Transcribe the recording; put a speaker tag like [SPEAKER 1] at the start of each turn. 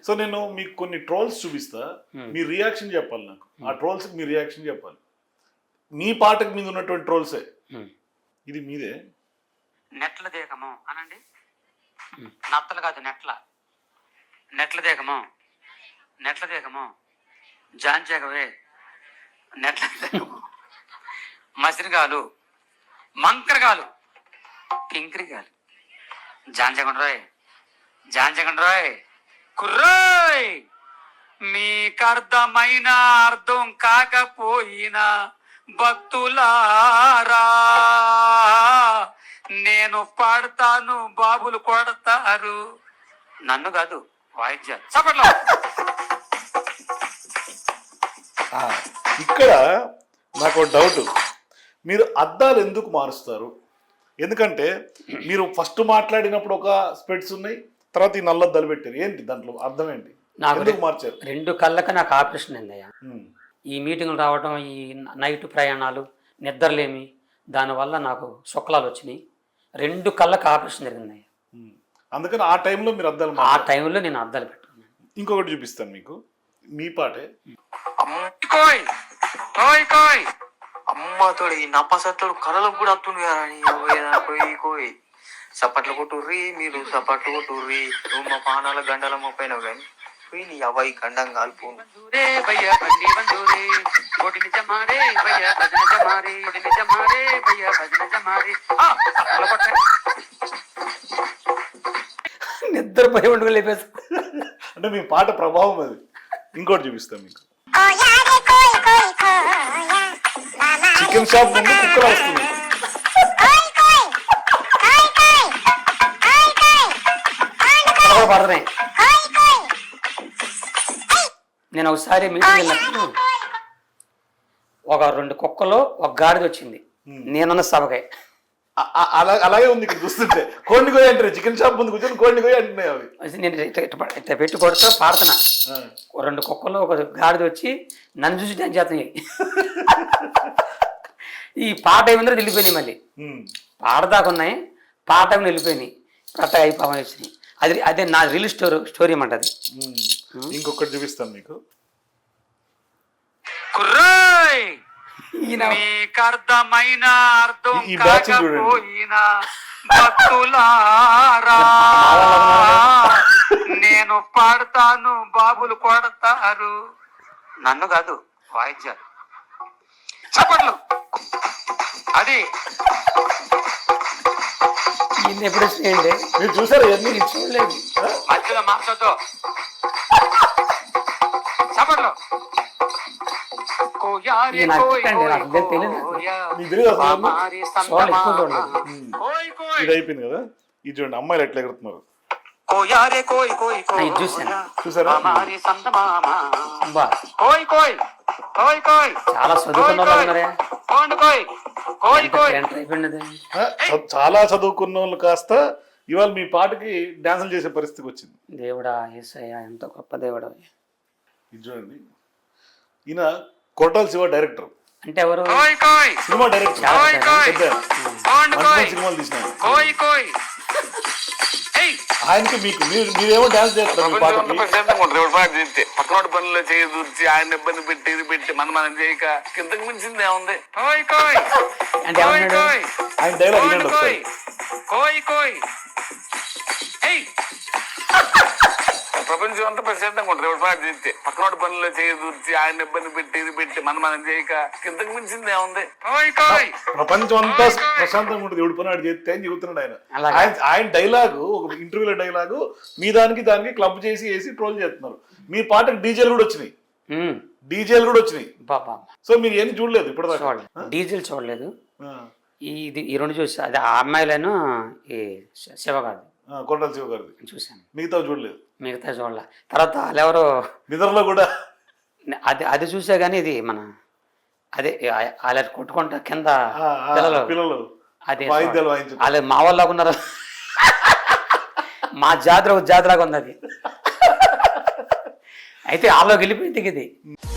[SPEAKER 1] So నేను మీకు కొన్ని ట్రోల్స్ చూపిస్తా, మీ రియాక్షన్ చెప్పాలి నాకు. ఆ ట్రోల్స్కి మీ రియాక్షన్ చెప్పాలి. మీ పాటకు మీద ఉన్నటువంటి ట్రోల్సే. ఇది మీదే.
[SPEAKER 2] నెట్ల దేగము అనండి, నత్తలు కాదు నెట్ల దేగము జాంచేగవే నెట్ల దేగము మసిరిగాలు మంకరగాలు కింకరిగాలు జాంచగండ్రాయ్ కుర్రాయ్ మీకర్థమైన అర్థం కాకపోయినా భక్తులారా నేను పాడతాను, బాబులు కొడతారు. నన్ను కాదు, వాయిద్యాలు. చప్పట్లో
[SPEAKER 1] ఇక్కడ నాకు డౌట్, మీరు అద్దాలు ఎందుకు మారుస్తారు? ఎందుకంటే మీరు ఫస్ట్ మాట్లాడినప్పుడు ఒక స్పెట్స్ ఉన్నాయి, తర్వాత ఈ నల్లద్దాలు పెట్టారు. ఏంటి దాంట్లో అర్థం ఏంటి? నాకు మార్చారు.
[SPEAKER 2] 2 కళ్ళకి నాకు ఆపరేషన్ అయిందయ్యా. ఈ మీటింగ్లు రావడం, ఈ నైట్ ప్రయాణాలు, నిద్రలేమి, దానివల్ల నాకు శుక్లాలు వచ్చినాయి. 2 కళ్ళకి ఆపరేషన్ జరిగిందయ్యా.
[SPEAKER 1] అందుకని ఆ టైంలో మీరు అద్దాలు,
[SPEAKER 2] ఆ టైంలో నేను అద్దాలు పెట్టుకున్నాను.
[SPEAKER 1] ఇంకొకటి చూపిస్తాను మీకు, మీ పాటే.
[SPEAKER 3] అమ్మతోడు ఈ నప్పసత్తోడు కళలకు కూడా అత్తుండు కదా. కోయి సపట్లు కొట్టుర్రి, మీరు సపట్లు కొట్టుర్రి, నువ్వు మా పానాల గండల మొప్పైనావు కానీ పోయి నీ అవ్వాయి గండం కాల్పు.
[SPEAKER 2] నిద్రపోయి ఉండుకు లేపేసి
[SPEAKER 1] అంటే మీ పాట ప్రభావం అది. ఇంకోటి చూపిస్తాను మీకు. చికెన్ షాప్ ముందు కుక్కలు వస్తుంది.
[SPEAKER 2] పడతాయి. నేను ఒకసారి మీటింగ్ వెళ్ళినప్పుడు ఒక 2 కుక్కలు, ఒక గాడిద వచ్చింది. నేనున్న సభకాయ
[SPEAKER 1] అలాగే ఉంది ఇక్కడ చూస్తుంటే. కోడిని కోయి అంటారు, చికెన్ షాప్ ముందు కూర్చొని కోడిని కోయి అంటున్నాయి అవి.
[SPEAKER 2] నేను ఇట్లా పెట్టి కొడుతూ పాడుతున్నా. 2 కుక్కలు, ఒక గాడిద వచ్చి నన్ను చూసి డాన్స్ చేస్తున్నాయి. ఈ పాట ఏమిందో వెళ్ళిపోయినాయి. మళ్ళీ పాడదాకా ఉన్నాయి, పాట ఏమి వెళ్ళిపోయినాయి. పట్ట అయిపోయి వచ్చినాయి. అదే నా రియల్ స్టోరీ అన్నమాట అది.
[SPEAKER 1] ఇంకొకటి చూపిస్తాను మీకు.
[SPEAKER 2] మీకర్థమైన అర్థం
[SPEAKER 1] ఈ బ్యాచ్ చూడండి.
[SPEAKER 2] భక్తులారా నేను పాడతాను, బాబులు కొడతారు. నన్ను కాదు, వాయిద్యాలు. చప్పట్లు. అది ఎప్పుడు చేయండి.
[SPEAKER 1] మీరు చూసారు?
[SPEAKER 2] చూడలేదు. మధ్యలో మాట్లాడుతూ చప్పట్లు.
[SPEAKER 1] ఇది అయిపోయింది కదా. ఇది చూడండి, అమ్మాయిలు ఎట్లా ఎగురుతున్నారు. చూసారా?
[SPEAKER 2] చాలా
[SPEAKER 1] చాలా చదువుకున్న వాళ్ళు కాస్త ఇవాళ మీ పాటకి డాన్సులు చేసే పరిస్థితికి వచ్చింది.
[SPEAKER 2] దేవుడా, యేసయ్యా, ఎంత గొప్ప దేవుడా.
[SPEAKER 1] ఇది చూడండి, ఈయన కొట్టాల శివ డైరెక్టర్.
[SPEAKER 2] అంటే ఎవరు?
[SPEAKER 1] సినిమా డైరెక్టర్, సినిమాలు తీసినారు. ఆయనకి మీకు మీరేమో డాన్స్ చేస్తారు.
[SPEAKER 3] పక్కనోటి పనుల్లో చేయి దూర్చి ఆయన ఇబ్బంది పెట్టి ఇది పెట్టి మనం చేయక కిందకి మించింది ఏముంది.
[SPEAKER 1] ఆయన డైలాగ్ వినండి ఒకసారి.
[SPEAKER 3] ప్రపంచం అంతా ప్రశాంతంగా ఉంటుంది. ఎవరి పాటు చేస్తే పక్కనోటి పనుల్లో చేయి దూర్చి ఆయన ఇబ్బంది పెట్టి ఇది పెట్టి మనం చేయక కిందకి మించింది ఏముంది.
[SPEAKER 1] ప్రపంచం అంతా ప్రశాంతంగా ఉంటుంది ఎవడి పని ఆడు చేస్తే అని చెబుతున్నాడు ఆయన. ఆయన డైలాగు, ఒక ఇంటర్వ్యూలో డైలాగు మీ దానికి క్లబ్ చేసి వేసి ట్రోల్ చేస్తున్నారు. మీ పాటకు డీజేలు కూడా వచ్చినాయి. సో మీరు ఏం చూడలేదు ఇప్పుడు?
[SPEAKER 2] డీజిల్ చూడలేదు. ఇది ఈ 2 చూసా. అది ఆ అమ్మాయిలను ఈ శివగారు,
[SPEAKER 1] కొండల శివ గారిది
[SPEAKER 2] చూశాను.
[SPEAKER 1] మిగతా చూడలేదు.
[SPEAKER 2] మిగతా చూడలే. తర్వాత వాళ్ళెవరో
[SPEAKER 1] నిద్రలో కూడా
[SPEAKER 2] అది చూసా కానీ ఇది మన అదే వాళ్ళ కొట్టుకుంటా కింద
[SPEAKER 1] పిల్లలు
[SPEAKER 2] అదే వాళ్ళు మా వాళ్ళగా ఉన్నారు. మా జాతరగా ఉంది అది. అయితే వాళ్ళకి వెళ్ళిపోయింది ఇది.